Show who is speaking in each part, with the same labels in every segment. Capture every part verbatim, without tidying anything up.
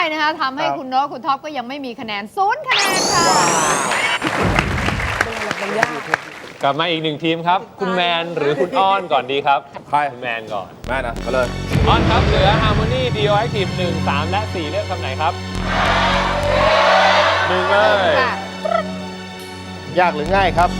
Speaker 1: นะคะทำให้คุณโน้ตคุณท็อปก็ยังไม่มีคะแนนศูนย์คะแนนค่ะ
Speaker 2: กลับมาอีกหนึ่งทีมครับ คุณแมนหรือคุณอ้อนก่อนดีครับ
Speaker 3: ใคร
Speaker 2: คุณแมนก่อน
Speaker 3: แม่นะมาเลย
Speaker 2: อ้อนครับเหลือ Harmony Dio Active หนึ่ง สาม และ สี่ เลือกคำไหนครับหนึ่งเลย
Speaker 3: ยากหรือง่ายครับ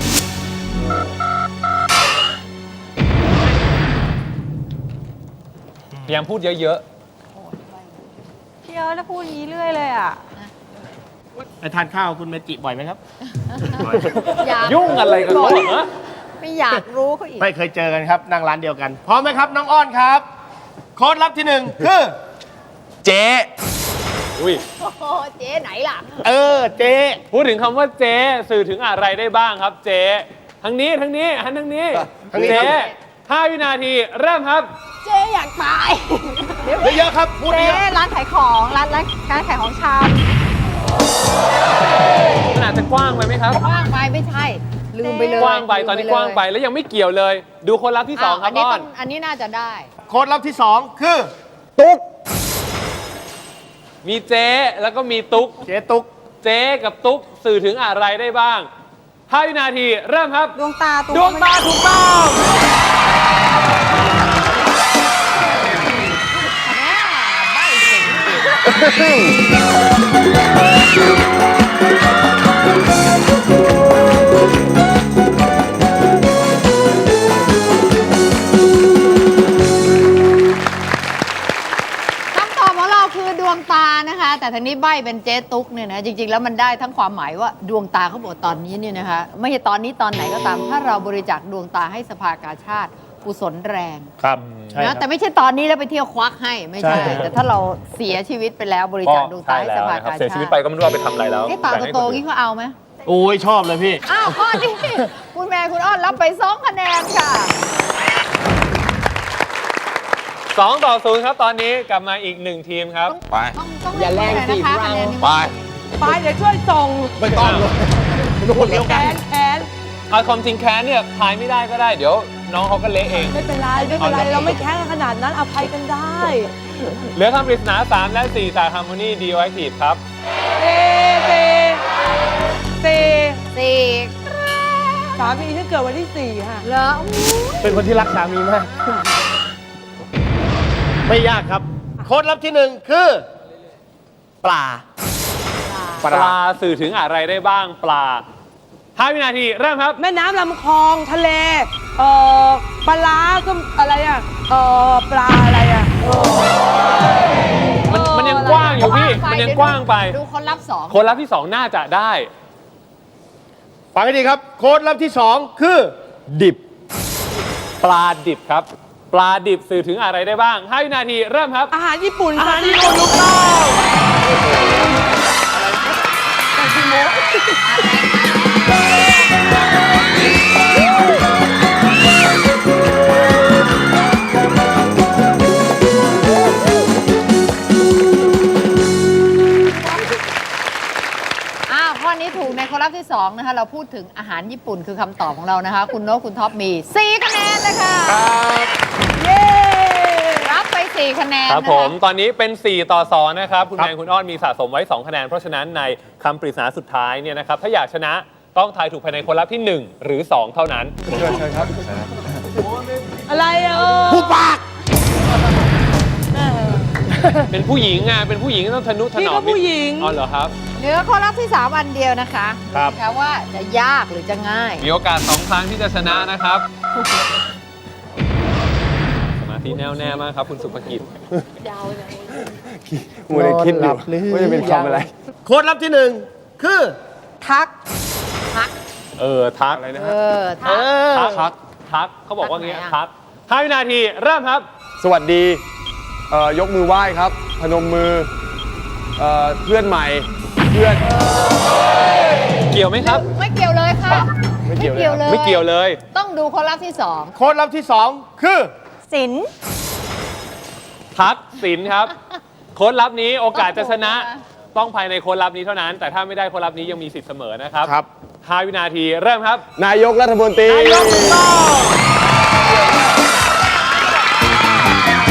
Speaker 2: พยายามพูดเยอะ
Speaker 4: พี่เอิร์ธพูดอย่างนี้เรื่อยเลยอ่ะ
Speaker 3: ไปทานข้าวคุณเมจิบ่อยไหมครับ
Speaker 1: อยาก
Speaker 2: ๆ ยุ่งอะไรกันวะฮะ
Speaker 1: ไม่อยากรู้เขาอีก
Speaker 3: ไม่เคยเจอกันครับ นั่งร้านเดียวกัน พร้อมไหมครับ น้องอ้อนครับ โค้ดลับที่หนึ่งคือ เจ๊
Speaker 2: อุ้ย
Speaker 1: โอ้โหเจ๊ไหนล่ะ
Speaker 3: เออ เจ๊
Speaker 2: พูดถึงคำว่าเจ๊สื่อถึงอะไรได้บ้างครับเจ๊ทั้งนี้ทั้งนี้หันทั้งนี้เจ๊ห้าวินาทีเริ่มครับ
Speaker 1: เจ๊อยากตาย
Speaker 3: เยอะๆครับ พูด
Speaker 4: เจ๊
Speaker 3: เยอะ
Speaker 4: ร้านขายของร้านร้านร้านขายของชำ
Speaker 2: มันอาจจะกว้างไปไหมครับ
Speaker 1: กว้างไปไม่ใช่ ลืมไปเลย
Speaker 2: กว้างไป
Speaker 1: ลืม
Speaker 2: ตอนนี้
Speaker 1: เลย
Speaker 2: กว้างไปแล้วยังไม่เกี่ยวเลย ดูคนรับที่สองครับ
Speaker 1: นี้
Speaker 2: อ้อ
Speaker 1: ต้
Speaker 2: น
Speaker 1: อันนี้น่าจะได้
Speaker 3: โค้ดลับที่สองคือ ตุ๊ก
Speaker 2: มีเจ๊แล้วก็มีตุ๊ก
Speaker 3: เจ๊ตุ๊ก
Speaker 2: เจ๊กับตุ๊กสื่อถึงอะไรได้บ้างห้าวินาทีเริ่มครับ
Speaker 4: ดวงตา
Speaker 2: ดวงตาถูกต้อง
Speaker 1: แม่ใบ้เก่ง คำตอบของเราคือดวงตานะคะ แต่ทางนี้ใบ้เป็นเจ๊ตุ๊กเนี่ยนะจริง ๆ แล้วมันได้ทั้งความหมายว่าดวงตาเขาบอกตอนนี้เนี่ยนะคะไม่ใช่ตอนนี้ตอนไหนก็ตาม ถ้าเราบริจาคดวงตาให้สภากาชาติกุศลแรง
Speaker 3: ครับใช่ครั
Speaker 1: นะ
Speaker 3: บ
Speaker 1: แต่ไม่ใช่ตอนนี้แล้วไปเที่ยวควักให้ไม่ใช่
Speaker 3: ใช่
Speaker 1: แต่ถ้าเราเสียชีวิตไปแล้วบริจาคดวงตาให้สภากาชาติ
Speaker 2: เสียชีวิตไปก็ไม่รู้เอาไปทำอะไรแล้ว
Speaker 1: ไอ้ปากโตๆงี้เขาเอาไหม
Speaker 3: โอ้ยชอบเลยพี่
Speaker 1: อ้าวข้อนี้คุณแม่คุณอ้อนรับไปสองคะแนนค่ะ
Speaker 2: สองต่อศูนย์ครับตอนนี้กลับมาอีกหนึ่งทีมครับ
Speaker 3: ไป
Speaker 1: ต้องต้องอย่าแรงสิคะคะแนนนี้
Speaker 3: ไป
Speaker 4: ไปเดี๋ยวช่วยส่ง
Speaker 3: ไม่ต้องเลยโดนเดียว
Speaker 4: แข
Speaker 3: กัน
Speaker 4: นแขน
Speaker 2: เอาความจริงแค้นเนี่ยทายไม่ได้ก็ได้เดี๋ยวน้องเขาก็เละเอง
Speaker 4: ไม่เป็นไรไม่เป็นไรเราไม่แค้นกันขนาดนั้นอภัยกันได้
Speaker 2: เหลือคำปริศนาสามและสี่จาก Harmony Dio Active ครับ
Speaker 4: เซเซเซ
Speaker 1: สี่
Speaker 4: สามีฉันเกิดวันที่สี่ค่ะ
Speaker 1: เหรออู้
Speaker 3: เป็นคนที่รักสามีมาก ไม่ยากครับ โค้ดลับที่หนึ่งคือ ปลา
Speaker 2: ปลาสื่อถึงอะไรได้บ้างปลาห้าวินาทีเริ่มครับ
Speaker 4: แม่น้ำลำคลองทะเลเอ่อปลาร้าก็อะไรอ่ะเอ่อปลาอะไรอ่ะเออ
Speaker 2: มันมันยังกว้างอยู่พี่ มันยังกว้างไป
Speaker 1: ดูคนรับสอง
Speaker 2: คนรับที่สองน่าจะได้
Speaker 3: ฟังให้ดีครับ โค้ดลับที่สองคือ ดิบ
Speaker 2: ปลาดิบครับ ปลาดิบสื่อถึงอะไรได้บ้างห้าวินาทีเริ่มครับ
Speaker 4: อาหารญี่ปุ่น
Speaker 2: อา
Speaker 4: ค่ะ
Speaker 2: หารญี่ปุ่นถูกต้อง
Speaker 1: อ้าวข้อนี้ถูกในคนรับที่สองนะคะ เราพูดถึงอาหารญี่ปุ่นคือคำตอบของเรานะคะ คุณโน้ตคุณท็อปมีสี่คะแนนเลยค่ะ เย้ รับไปสี่คะแนน
Speaker 2: ครับ
Speaker 1: นะ
Speaker 2: ผ
Speaker 1: คะ
Speaker 2: มตอนนี้เป็นสี่ต่อสองนะครับ คุณ
Speaker 3: ครั
Speaker 2: แม
Speaker 3: บ
Speaker 2: นคุณอ้อนมีสะสมไว้สองคะแนน เพราะฉะนั้นในคำปริศนาสุดท้ายเนี่ยนะครับ ถ้าอยากชนะต้องทายถูกภายในคนรับที่หนึ่งหรือสองเท่านั้น
Speaker 3: เชิญเชิญครับ
Speaker 4: อะไรอ่ะเออ
Speaker 3: ผู้ปาก
Speaker 4: เออ
Speaker 2: เป็นผู้หญิงไงเป็นผู้หญิงก็ต้องทนุถ
Speaker 4: พี่
Speaker 2: นอ
Speaker 4: ก็
Speaker 2: ม
Speaker 4: ผู้หญิง
Speaker 2: อ๋อเหรอครับ
Speaker 1: เหลือข้อรับที่สามอันเดียวนะคะ
Speaker 3: ครับ
Speaker 1: ดูสิคะว่าจะยากหรือจะง่าย
Speaker 2: มีโอกาสสองครั้งที่จะชนะนะครับ สมาธิแน่วแน่มากครับคุณสุภกิจ
Speaker 3: มัวแต่คิดอยู่ว่าจะเป็นคำอะไร โค้ดลับที่หนึ่งคือ
Speaker 4: ทัก
Speaker 1: ทัก
Speaker 2: เออทัก
Speaker 3: อะไรนะ
Speaker 1: เอ
Speaker 3: ฮะ
Speaker 1: อ ทัก
Speaker 2: ทักทักทักเขาบอกว่างี้
Speaker 1: ทักไหนอะ
Speaker 2: ทักห้าวินาทีเริ่มครับ
Speaker 5: สวัสดีเอ่อยกมือไหว้ครับ พนมมือเอ่อเพื่อนใหม่ เพื่อน
Speaker 2: เกี่ยวไหมครับ
Speaker 1: ไม่เกี่ยวเลยค่ะ
Speaker 5: ไม่เกี่ยวเลย
Speaker 1: เลย
Speaker 2: ไม่เกี่ยวเลย
Speaker 1: ต้องดูข้อรับที่สอง
Speaker 3: โค้ดลับที่สองคือ
Speaker 4: สิน
Speaker 2: ทักสินครับ โค้ดลับนี้โอกาสจะชนะ ต้องภายในโค้ดลับนี้เท่านั้น แต่ถ้าไม่ได้โค้ดลับนี้ยังมีสิทธิ์เสมอนะครับ
Speaker 3: ครับ
Speaker 2: ห้าวินาทีเริ่มครับ
Speaker 5: นายกรัฐมนตรี
Speaker 2: นายกถูกต้อง